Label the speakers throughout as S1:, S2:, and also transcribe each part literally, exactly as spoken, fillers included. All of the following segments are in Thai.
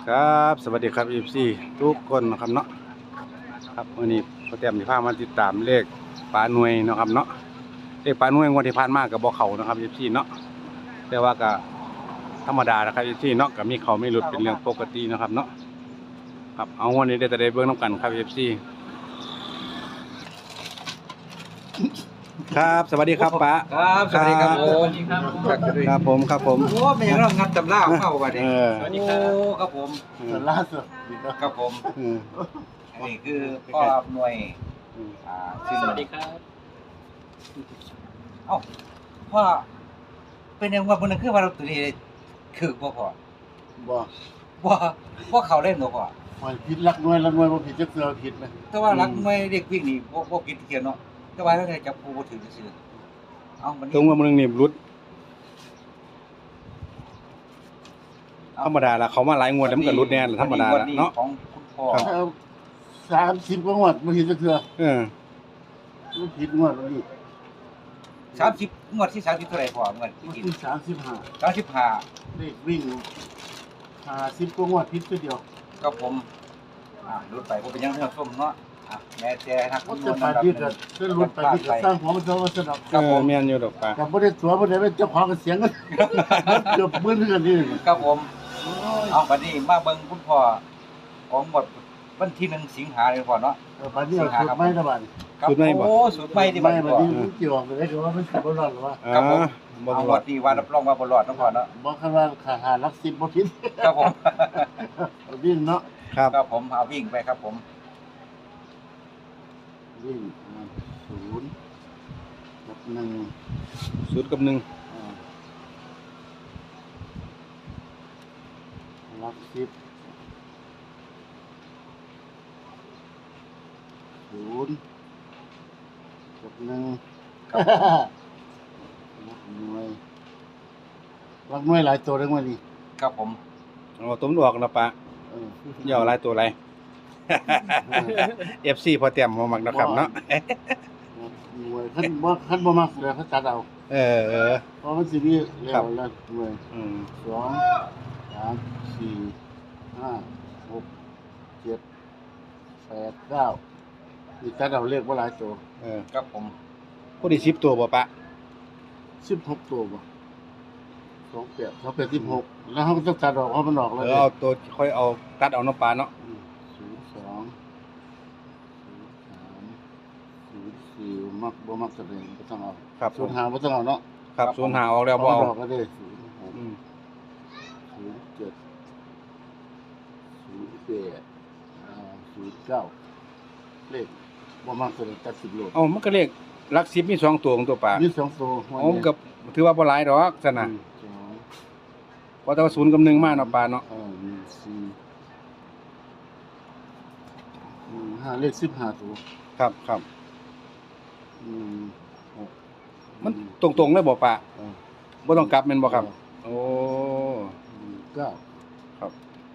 S1: ครับสวัสดีครับ เอ ฟ ซี ทุกคนนะครับเนาะครับวันนี้พอเตรียมที่พามาติดตามเลขปลาหน่วยเนาะครับเนาะเลขปลาหน่วยงวดที่ผ่านมากับบ่เขานะครับ เอฟ ซี เนาะแต่ว่าก็ธรรมดานะครับ เอฟ ซี เนาะก็มีเขาไม่หลุดเป็นเรื่องปกตินะครับเนาะครับเอาวันนี้ได้แต่ได้เบิ่งน้ำกันครับ เอฟ ซี ครับสวัสดีครับป้า
S2: ครับสวัสดีครับผม
S1: ครับผมครับผม
S2: โอ้ไม่ยังเรางัดตำราเข้ามาดิ
S1: เออ
S2: สวัสดีครับครับผม
S3: ส่วนล่าสุด
S2: ครับผม
S1: เออ
S2: อันนี้คือพ่อหน่วยอ่าซึ่ง
S4: สวัสดีครับ
S2: เอ้าพ่อเป็นยังว่าบนนั้นคือว่าเราตัวนี้คือบ่พอ
S3: บ่
S2: บ่บ่เข้าเล่นบ่พอ
S3: มันผิดรักน้อยรักน้อยบ่ผิดจักเทื่อผิดไหม
S2: แต่ว่ารักหน่วยเด็กวิ่งนี่บ่บ่ผิดเกี่ยวเนาะแต่ว่าถ้าจับผู้บ่ถือซื่อเอ้ามัน
S1: ตรงว่ามึงนี่รุดธรรมดาละเขามาหลายงวดแล้วมันก็รุดแน่ละธรรมดาละเนาะ
S2: ของคุณพ่อ
S1: ครับ
S3: เอาสามสิบกว่างวดบ่ผิดจักเทื่อ
S1: เออ
S3: บ่ผิดงวดวันนี้
S2: สามสิบงวดที่สามสิบเท่าไหร่พ่อเงิน
S3: วัน
S2: กิน
S3: ที่สามสิบห้า
S2: สามสิบห้า
S3: เลขวิ่งห้าสิบกว่างวดผิดตัวเดียว
S2: ก็ผมอ่ารุดไปผมเป็นยังเรื่องส้มเนาะอ่ะแม่แต่ทัก
S3: ก็จะไปที่ก็จะลุ้นไปที่ก็สร้างของมันจะว่าสนับ
S1: เออแม่นอยู่ดอกป้า
S3: แต่บ่ได้ตัวบ่ได้เป็นเจ้าของก็เสียงกันเกือบหมื่นกันนี่
S2: ครับผมเอาบัดนี้มาเบิ่งคุณพ่อของหมดวันที่หนึ่งสิงหาเลยพ่อเนาะ
S3: เออบัดนี้เอาสุดไม้ตะบัด
S2: ครับโอ้สุดใหม่ที่บั
S3: ไม้
S2: ด
S3: บั
S2: นี้
S3: ด
S2: พ่อ
S3: นี้มันเกี่ยวกับได้ก็ว่ามันสิบ่รอดหรอวะ
S1: อ่า
S2: ครับผม
S1: บ่
S2: เอา
S1: ร
S2: หม
S1: อด
S2: ดที่ว่ารับรองว่าบ่รอดเนาะพ่อเนาะ
S3: บ่คันว่าขาหารักสิบบ่ผิด
S2: ครับผม
S3: วิ่งเนาะ
S1: ครับ
S2: ครับผมเอาวิ่งไปครับผม
S3: วิ่งอ่าศูนย์กับหนึ่ง
S1: ศูนย์กับหนึ่ง
S3: อ่ารักสิบศูนย์กับหนึ่ง
S2: ครับผม
S3: รักหน่วยรักหน่วยหลายตัวเลยวันนี้
S2: ครับผม
S1: เอาตุ้มออกแล้วป้า
S3: เออ
S1: อย่าเอาหลายตัวไร เอฟ ซี พอเตรียมมามักนะครับเนาะ
S3: รักหน่วยขั้นบ่ขั้นบ่มักเลยเขาจัดเอา
S1: เออเออ
S3: เพราะมันสิมีแล้วแล้วหน่วย
S1: อืม
S3: สองสามสี่ห้าหกเจ็ดแปดเก้านี่จัดเอาเลขว่าหลายตัว
S1: เออ
S2: ครับผม
S1: ผู้ที่สิบตัวบ่ป้า
S3: สิบหกตัวบ่สองแปดสองแปดสิบหกแล้วเขาก็ต้องจัดออกเพราะมันออก
S1: เอ
S3: แล้ว
S1: อเอาตัวค่อยเอาตัดเอาเนาะป้าเนาะ
S3: ศูนย์สองศูนย์สามศูนย์สี่มักบ่มักแสดงบ่ต้องเอา
S1: ครับผ
S3: ศูน
S1: ม
S3: ย์ห้าบ่ต้องเอาเนาะ
S1: ครับศูนย์หาออกแล้วบ่
S3: เอา
S1: เอา
S3: ดอกก็ได้ศูนย์หก
S1: อืม
S3: ศูนย์เจ็ดศูนย์แปดอ่าศูนย์เก้าเลขบ่มักแสดงตัดสิบโล
S1: เอามันก็เลขหลักสิบมีสองตัวของตัวป้า
S3: มีสองตัวหัว
S1: เอามันก็ถือว่าบ่หลายดอกซั่นน่ะ
S3: หงสอง
S1: เพราะแต่ว่าศูนย์กับหนึ่งมาเนาะป้าเนาะ
S3: เออหนึ่งสี่หนึ่งห้าเลขสิบห้าตัว
S1: ครับครับ
S3: หนึ่งหก
S1: มันตรงๆเลยบ่ป้า
S3: เออ
S1: บ่ต้องกลับแม่นบ่ครับ โอ้
S3: หนึ่งเก้า
S1: ครับ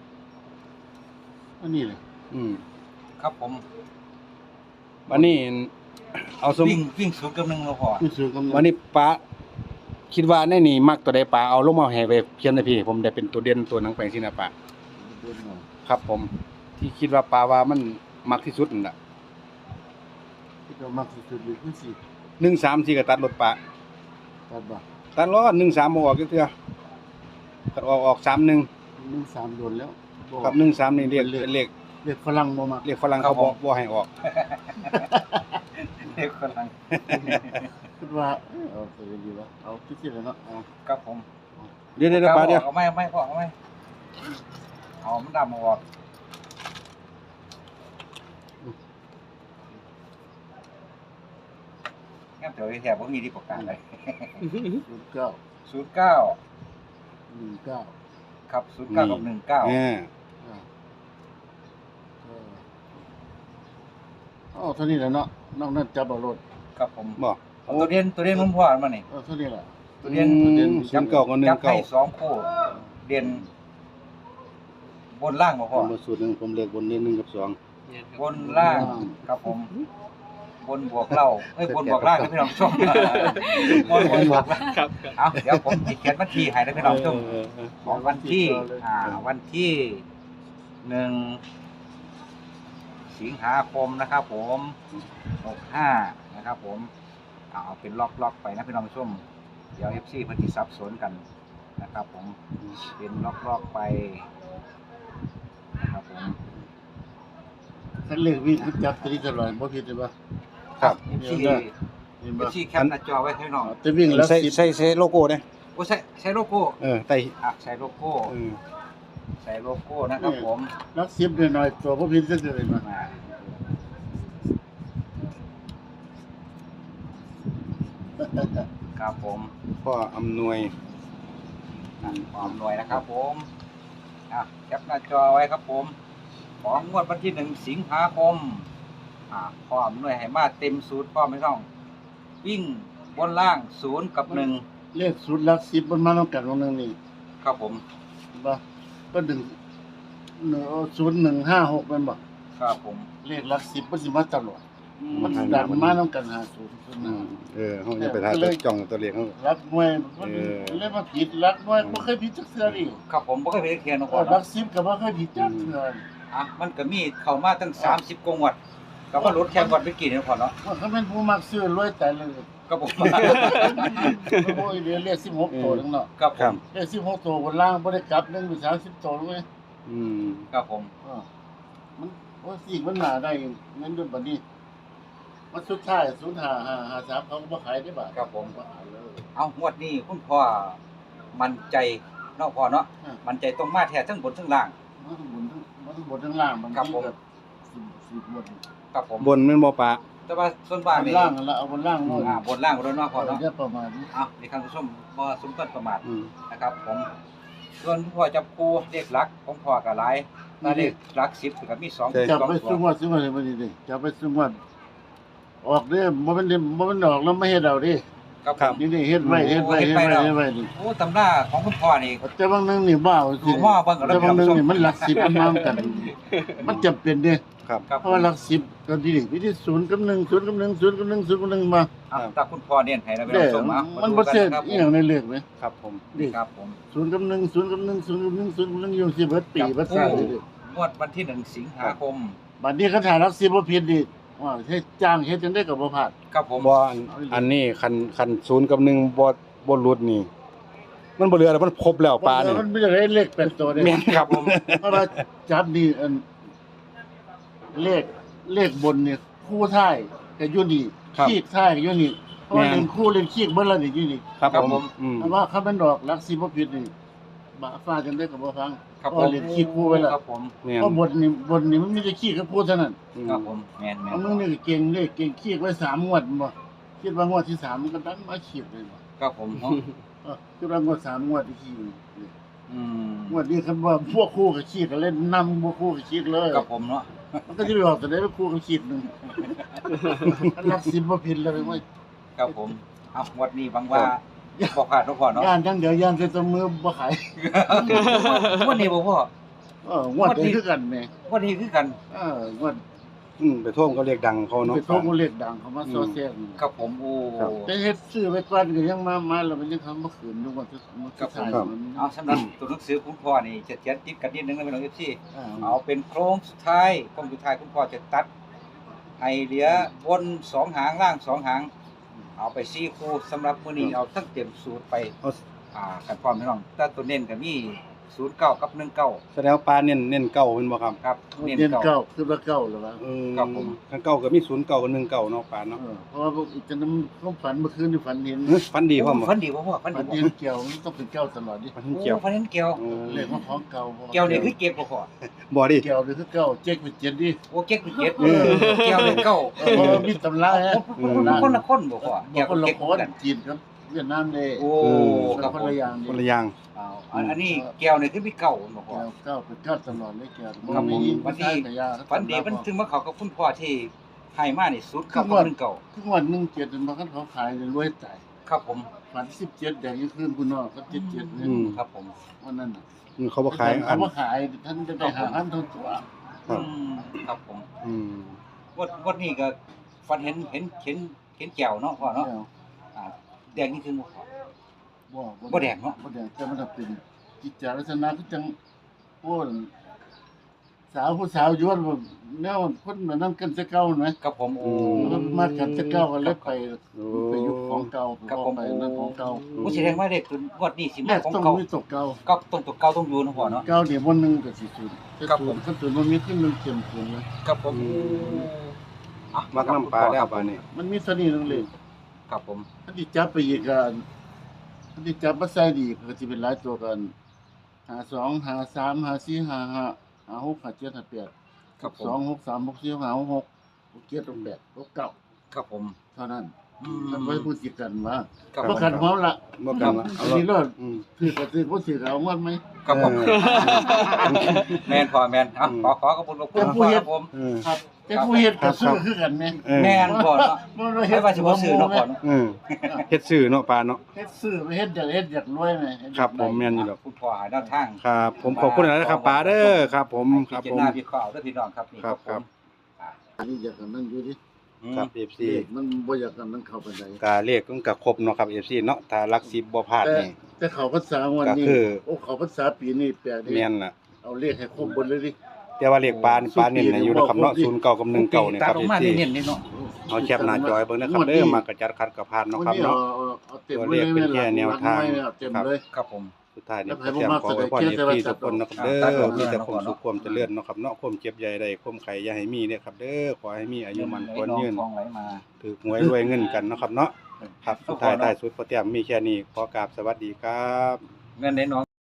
S3: อันนี้เลย
S1: อืม
S2: ครับผม
S1: วันนี้เอาสม
S2: วิ่งวิ่งศูนย์กับหนึ่งแล้วพ่อ
S3: พี่ซื้อกำลัง
S1: วันนี้ป้าคิดว่าในนี่มักตัวใดป้าเอาลงมาให้ไปเขียนให้พี่ ผมได้เป็นตัวเด่นตัวหนังแปลงสินะป้า
S3: เดินหน่อย
S1: ครับ ผม ที่คิดว่าป้าว่ามันมักที่สุดนั่นน่ะ
S3: ที่เรามักสุดๆเลยคือสี่
S1: หนึ่งสามสี่ก็ตัดรถป้า
S3: ตัดบ่
S1: ตัดล้อหนึ่งสามบ่ออกจักเทื่อตัดออกออกสามหนึ่ง
S3: หนึ่งสามโดนแล้วบ่
S1: ครับหนึ่งสามนี่เรียก
S3: เป็นเลข
S1: เป็นเลข
S3: เลขฝรั่งบ่มัก
S1: เรียกฝรั่งเขาบ่บ่ให้ออก
S2: เด็กกำลัง
S3: คิดว่าเออเอาไปดีวะเอาที่สิเลยเนาะเอา
S2: ครับผม
S1: เดี๋ยวเดี๋ยวป้าเดี๋ยว
S2: เอาไม่ไม่พ่อเอาไม่เอามันดำออกงั้นเดี๋ยวแถบผมมีที่ประกันเลย
S3: ศูนย์เก้า
S2: ศูนย์เก้า
S3: หนึ่งเก้า
S2: ครับศูนย์เก้ากับหนึ่งเก้า
S1: เออ
S3: อ่าเออเอาเท่านี้แหละเนาะนอกนั้นจับเอารถ
S2: ครับผม
S1: บ่
S2: เอาตัวเรียนตัวเรียนผมพ่อมานี่
S3: เออเท่านี้แหละ
S2: ตัวเรียน
S1: อืม
S3: ตัวเรียน
S1: ศูนย์เก้ากับหนึ่
S2: จั
S1: ง
S2: บ
S1: เก้า
S2: ให้สองคู่เรียนบนล่างบ่
S1: ผ
S2: พ่อ
S1: มมาสูตรหนึงผมเลือกบนนี้หนึ่งกับสอง
S2: บนล่างครับผม บนบวกเล่าเอ้ยบนบวกล่างนะพี่น้องชมบนบนบวกล่าง
S4: ครับ
S2: เอาเดี๋ยวผมจะเขียนบัญชีให้นะพี่น้องชม
S1: เออเออ
S2: ของวันที่อ่าวันที่หนึ่งสิงหาคมนะครับผมหกห้านะครับผมเอาเป็นล็อกล็อกไปนะพี่น้องผู้ชมเดี๋ยวเอฟซีเพิ่นสิสับสนกันนะครับผมเป็นล็อกล็อกไปนะครับผม
S3: คันเลขวิ่งคือจับตัวนี้ตลอดบ่ผิดเลยบ่
S1: ครับ
S2: เอฟซี
S3: เห็น
S2: เอ
S3: บ่
S2: ฟซีแคปหน้าจอไว้ให้น้อง
S3: แต่วิ่งแล้ว
S1: ใส่
S3: สิบ
S1: ใส่ใส่โลโก้เด้
S2: โอ้ใช้ใช้โลโก้
S1: เออใส่
S2: อ่ะใช้โลโก้
S1: เออ
S2: ใช้โลโก้นะครับผม
S3: ลักสิบหน่อยๆตัวบ่ผิดจักเลยมา
S2: มาครับผม
S1: พ่ออำนวย
S2: อ่ะความรวยนะครับผมอ่ะแคปหน้าจอไว้ครับผมของงวดวันที่หนึ่งสิงหาคมอ่ะพร้อมหน่วยให้มาเต็มสูตรพร้อมไม่ต้องวิ่งบนล่างศูนย์กับหนึ่ง
S3: เลขศูนย์ลักสิบมันมานํกันวงนึงนี่
S2: ครับผม
S3: เห็นบ่ก็ดึงศูนย์หนึ่งห้าหกแม่นบ่
S2: ครับผม
S3: เลขลักสิบมันสิมาตลอด
S2: อื
S3: มัน
S2: ม
S3: สิดันมานํกันห้าศูนย์ศูนย์ห
S1: อื
S3: นึ่ง
S1: มเออเฮาจะไปถ่ายตัวจ้องตัวเลขเฮา
S3: รักหน่วยมัน
S1: เออ
S3: เลยมาผิดรักหน่วยบ่เคยผิดจักเทื่อนี่
S2: ครับผมบ่เคยไปเทียนนะ
S3: เอ
S2: พ่อ
S3: อรั
S2: เนาะ
S3: กสิบก็บ่เคยผิดจักเทื่อ
S2: อ่ะมันก็มีเข้ามาตั้งสามสิบกว่างวดก็ว่าลดแค่งวดไปกี่เนี่ยพ่อเนาะ
S3: ว่าเขาเป็นผู้มักซื้อรวยแต่เลย
S2: ก็ผม
S3: โอ้ยเดี๋ยวเรียกสิบหกตัวนึงเนาะ
S2: ครับผ
S1: ครับ
S2: ม
S3: เรียกสิบหกตัวบนล่างบ่ได้กลับหนึงเป็นสามสิบตัวเลย
S1: อืม
S2: ครับผม
S3: เออมันโอ้สิมันหนาได้เงินด้วยบัดนี้มันสุดท้ายศูนย์ห้าห้าห้าสามเขาก็บ่ขายได้บาท
S2: ครับผม
S3: บ่ขายเลย
S2: เอางวดนี้คุณพ่อมั่นใจเนาะพ่อเนาะ
S3: อ่า
S2: มั่นใจตรงมาแท้ทั้งบนทั้งล่าง
S3: มันต้องบนทั้งมันต้องบนทั้งล่างมัน
S2: ครับผม
S3: สิบสิบบน
S2: ครับผม
S1: บนแม่นบ่ปะ
S2: แต่ว่าส่วน
S3: บ
S2: มาก
S3: น
S2: นี่
S3: ล่างนั่นละเอาบนล่างหน่อย
S2: อ่าบนล่างบนเนาะพ่อเนาะ
S3: เดี๋ยวประมาณนี้
S2: เอาในครั้งผู้ชมบ่สมควรประมาท
S1: อืม
S2: นะครับผมส่วนพ่อจับคู่เลขหลักของพ่อก็หลายถ้าเลขหลักสิบก็มีสอง
S3: จับ
S2: สอง
S3: ไป
S2: ตั
S3: ซุ่ม
S2: ว
S3: วัดซุ่มวัดมันนี่ดิจับไปซุ่มวัดออกเด้อบ่แม่นเด้บ่แม่นออกแล้วไม่เฮ็ดเอาดิ
S2: ครับผม
S3: นี่นี่เฮ็ดไว้เฮ็ดไว้เฮ็ดไว้เฮ็ดไว้นี่
S2: โอ้ตำราของคุณพ่อนี่
S3: แต่บางนึงนี่บ้าสิ
S2: หม้อเบิ่งกับ
S3: แต่บางนึง
S2: เรา
S3: นี่มันหลักสิบมันมากัน มันจำเป็นเด้
S1: ครับ
S2: ครับ
S3: เพราะว่าหลักสิบก็ดีดิวิธีศูนย์กับหนึ่งศูนย์กับหนึ่งศูนย์กับหนึ่งศูนย์กับหนึ่งมา
S2: อ่ะตาคุณพ่อเน้นให้แล้วไป
S3: เด้
S2: ลองส่งมา
S3: มั
S2: มัน
S3: บ่เสีย
S2: ครับ
S3: อีหยังในเลขไหม
S1: ครับผม
S3: ดิ
S2: ครับผม
S3: ศูนย์กับหนึ่งศูนย์กับหนึ่งศูนย์กับหนึ่งศูนย์กับหนึ่งอยู่สิเบิดปีเบิดชาติเลยดิ
S2: งวดวันที่หนึ่งสิงหาคม
S3: บัดนี้เขาถ่ายหลักสิบบ่ผิดดิว่าเฮ็ดจ้างเฮ็ดจังได๋ก็บ่พลาด
S2: ครับผม
S1: บ่อันอันนี้คันคันศูนย์กับหนึ่งบ่บ่หลุดนี่ มันบ่เหลือแล้วมันครบแล้วปลานี่
S3: มันไม่ได้เลขเป็นตัวเด้
S1: แม่นครับผม
S3: เพราะว่าจับนี่อันเลขเลขบนเนี่ยคู่ท้ายก็อยู่นี่
S1: ครับ
S3: ขีดท้ายก็อยู่นี่เพราะว่า
S1: แม่น
S3: เล่นคู่เล่นขีดเบิ่แล้วนี่อยู่นี่
S1: ครับผมอืม
S3: เพราะว่าเขาเป็นดอกลักสิบ่ผิดนี่บาฟ้าจังได้ก็บ่ฟัง
S2: ครับ
S3: เพ
S2: ผ
S3: ราะ
S2: ม
S3: เล่นขีดคู่ไว้แล้ว
S2: ครับผม
S1: แม่น
S3: เพราะบทนี่บทนี่มันมีแต่ขีดกับคู่เท่านั้น
S1: อืม
S2: ครับผมแม่นแม่
S3: เอา
S2: น
S3: มึงนี่ก็เก่งเลยเก่งขีดไว้สามงวดบ่คิดว่างวดที่สามมันก็ดันมาขีดเลยบ่
S2: ครับผมเนาะ
S3: เออคิดว่างวดสามงวดที่ขีดนี่
S2: อืม
S3: งวดนี้คันว่าพวกคู่กับขีดก็เล่นนำบ่คู่กับขีดเลย
S2: ครับผมเนาะ
S3: มันก็จะไปออกแต่ได้ไปคู่กับขีดหนึงอันลักสิบบ่ผิดเลยว่า
S2: ครับผมเอางวดนี้บังว่าบ่พลาดทุกคนเนาะ
S3: ย่านจังเดี๋ยวย่านใส่ตัวมือบ่ขาย
S2: งวดนี้บ่พ่อ
S3: เอองวดนี้คือกันแหม่
S2: งวดนี้คือกัน
S3: เอองวด
S1: อืมไปท่วมเขาเรียกดังเขาเนาะ
S3: ไปโทรเลขดังเขามาซอแซง
S2: ครับผมโอ้
S1: ครับ
S3: แต่เฮ็ดซื้อไว้ก่อนก็ยังมามาแล้วมันยังทำบ่คืนอยู่ว่าจะมัน
S2: ครับผม
S3: ขายมัน
S2: เอาสำหรับตัวหนังสือคุณพ่อนี่จะเขียนติดกันนิดนึงนะพี่น้อง เอฟ ซี
S3: อ่า
S2: เอาเป็นโครงสุดท้ายโครงสุดท้ายคุณพ่อจะตัดให้เหลือบนสองหางล่างสองหาง เอาไปสี่คู่สำหรับมื้อนี้เอาทั้งเต็มสูตรไป
S1: เอา
S2: อ่ากันพร้อมพี่น้องแต่ตัวเน้นก็มีศูนย์เก้ากับหนึ่งเก้า
S1: แสดงว่าปลาเน้นเน้นเก่าเป็นบ่ครับ
S2: ครับเน้น
S3: เดือน
S2: เก้า
S3: เก้าคือว่าเก้าแล้ววะ
S1: เออ
S2: ครับผม
S1: คันเก่าก็มีศูนย์เก่ากับหนึ่งเก่าเนาะปลาเนาะ
S3: เออเพราะว่าพวกอีกจะนำความฝันเมื่อคืนที่ฝันเห็น
S1: เฮ้ยฟันดีพร้อมบ่
S2: ฟันดีบ่พ่อฟันดี
S3: ฝัน
S2: บ่
S3: เห็นเกี่ยวมันต้องเป็นเก้าตลอดดิ
S1: ฟัน
S2: โอ้
S1: เกี่ยว
S2: ฟันเห็นเกี่ยว
S1: เออ
S3: เลขว่าของเก่าพราะา
S2: เกี่ยวนี่คือเก็บบ่พ่อ
S1: บ่ดิ
S3: เกี่ยวนี่คือเก้าเจ๊กเป็นเจ็ดดิ
S2: โอ้เก็บคือเก็บ
S3: เออ
S2: เกี่ยวนี่เก้า
S3: เออเพราะว่ามีตำราฮะ
S2: คนละคนบ่พ่อ
S3: เกี่
S2: เกี่
S3: ย
S2: ยว ว
S3: คนละ
S2: เก็บ
S3: คน
S2: กัน
S3: จีนครับเวียดนามเลย
S2: โอ้
S3: ค
S2: ครั
S3: รั
S2: บบ ผ
S3: คน
S2: ม
S3: ละอย่าง
S1: คนละอย่าง
S2: อ้าวอันอันนี้แก้วนี่คือมีเก่าบ่พ่อ
S3: เกี่ยวเก้าเป็นเก้าตลอดเลยเกี่ยว
S2: ครับผม
S3: มี
S2: วันที่
S3: แต่ยา
S2: ฝันดีมันถึงมาเข้ากับคุณพ่อที่ให้มานี่สุดเก่ากับหนึ่งเก่า
S3: ทุกวันหนึ่งเจ็ดมันก็เขาขายเลยรวยใจ
S2: ครับผม
S3: ฝันสิบเจ็ดแดงยังคืนคุณนอกก็เจ็ดเจ็ดเนี่ย
S1: อืม
S2: ครับผม
S3: วันนั้นน่ะ
S1: อืมเขาบ่ขายอั
S3: เขา
S1: น
S3: มาขายท่านจะได้หาพันเท่าตัว
S1: ครับ
S2: อืมครับผม
S1: อืม
S2: วันวันนี้ก็ฝันเห็นเห็นเห็นเห็นแก้วเนาะพ่อเนาะ
S3: แก้ว
S2: อ่าแดงนี่คือบ่พ่อ
S3: บ่
S2: บ่แดงเนาะ
S3: บ่แดงแต่มันจะเป็นกิจจาลักษณะคือจังโอ้นสาวผู้สาวย้วนบ่แนวคนแบบนั้นกันจะเก่าไหม
S2: ครับผมโอ้
S3: มันมากันจะเก่ากันเลยไป
S1: โอ้
S3: ไปอยู่ของเก่า
S2: ครับผม
S3: ไปนั่นของเก่า
S2: ผู้แสดงว่าเด็กเป็นงวดนี้สิ
S3: แร
S2: มาก ของ
S3: ต้อง
S2: เก่า
S3: มีตกเก่า
S2: ก็ต้องตัวเก่าต้องอยู่นะพ่อเนาะ
S3: เก่าเดี๋ยววันหนึงก็สิสูญ
S2: ครับผม
S3: ขั้นสูญมันมีขึ้นมันเต็มเต็มเลย
S2: ครับผมอ่ะ
S1: มักน้ำปลาแล้วปลานี่
S3: มันมีเท่านี้นึงเลย
S2: ครับผม
S3: ถ้าที่จับไปอีกกันถ้าที่จับมาใส่ดีก็สิเป็นหลายตัวกันหาสองหาสามหาสี่หาห้าหาหกหาเจ็ดหาแปด
S2: ครับผ
S3: สอง
S2: ม
S3: หกสามหกสี่หาหกหกหกเจ็ดหกแปดหกเก้า
S2: ครับผม
S3: เท่านั้น
S2: อืม
S3: ท่านไว้พูดจิตกันว่า
S2: ครับ
S3: บ่
S2: ผม
S3: ขันหอมละ
S1: บ่กันละ
S3: อันนี้รอด
S1: อืม
S3: ถือก็ถือบ่ถือก็เอาหมดไหม
S2: ครับผม
S1: เออ
S2: แมนพ่อแมนอ่ะ
S1: อืม
S2: ขอขอขอบคุณหลวงพ่อครับผม
S1: เออ
S3: ครับแต่ผู้เฮ็ดก็ซื้อคือกันแม่
S1: เออ
S2: แมนพ่อเนาะ
S3: บ่ได้
S2: ไม่
S3: เฮ็ด
S2: ว่าสิบ่ซื้อเนาะพ่อเนาะ
S1: เออเฮ็ดซื้อเนาะปลาเนาะ
S3: เฮ็ดซื้อไปเฮ็ดอยากเฮ็ดอยากรวยแม่เฮ็ดอยาก
S1: ครับผมแม่นอยู่ดอก
S2: คุณพ่อหาแนวทาง
S1: ครับ ผมขอบคุณหลายนะครับปลาเด้อครับ ผมค
S2: พิ
S1: รับ
S2: จาร
S1: ผม
S2: ณาวิเคราะห์ด้วยพี่น้องครับนี่
S1: ครับ
S2: ผม
S3: อันนี้อยากกันนั่นอยู่ดิ
S2: อืม
S1: ครับ เอฟ ซี
S3: เลขมันบ่อยากกันนั่นเข้าไปได้
S1: กาเลขมันก็ครบเนาะครับ เอฟ ซี เนาะถ้าหลักสิบบ่พลาด
S3: แต่
S1: นี่
S3: แต่เขาภาษาวันนี้
S1: ก็คือ
S3: โอ้เขาภาษาปีนี้แปลกดิ
S1: แม่นล่ะ
S3: เอาเลขให้ครบหมดเลยดิ
S1: แต่ว่าเลขปลานี่ปลาเน้นให้อยู่นะครับเนาะศูนย์เก้ากับหนึ่งเก้านี่
S2: ตา
S1: ครับ
S2: ล
S1: เอง ฟ
S2: มา
S1: ซี
S2: เน้นๆนี่เนาะ
S1: เอาแคปหน้าจอยเบิ่งนะครับเด้อมากระจัดคัดกระพานเนาะครับ
S3: วันนี้
S1: เนาะ
S3: เอาเอาเต็ม
S1: ตัว
S3: เล
S1: เลย ขเป็นแค่แนวทาง
S3: เอาเต็มเลย
S2: ครับผม
S1: สุดท้ายนี่
S3: แล้ว
S1: ก็
S3: ให้
S1: แต้ม
S3: ผมมา
S1: ขอไว้พร
S3: แส
S1: เอ
S3: ด
S1: ฟ
S3: ง
S1: ซี
S3: เจตนา
S1: ทุกคนนะครับเด้
S2: ตัดอ
S1: อ
S2: อก
S1: มีแต่
S2: เนาะ
S1: ความสุขความเจริญเนาะครับเนาะความเจ็บใหญ่ใดความไข้อย่าให้มีเด้อครับเด้อขอให้มีอายุมันควรยืน
S2: ทองไหลมา
S1: ถือหวยรวยเงินกันเนาะครับเนาะครับสุดท้ายท้ายสุดพอแต้มมีแค่นี้ขอกราบสวัสดีครับ
S2: เงินในน้อง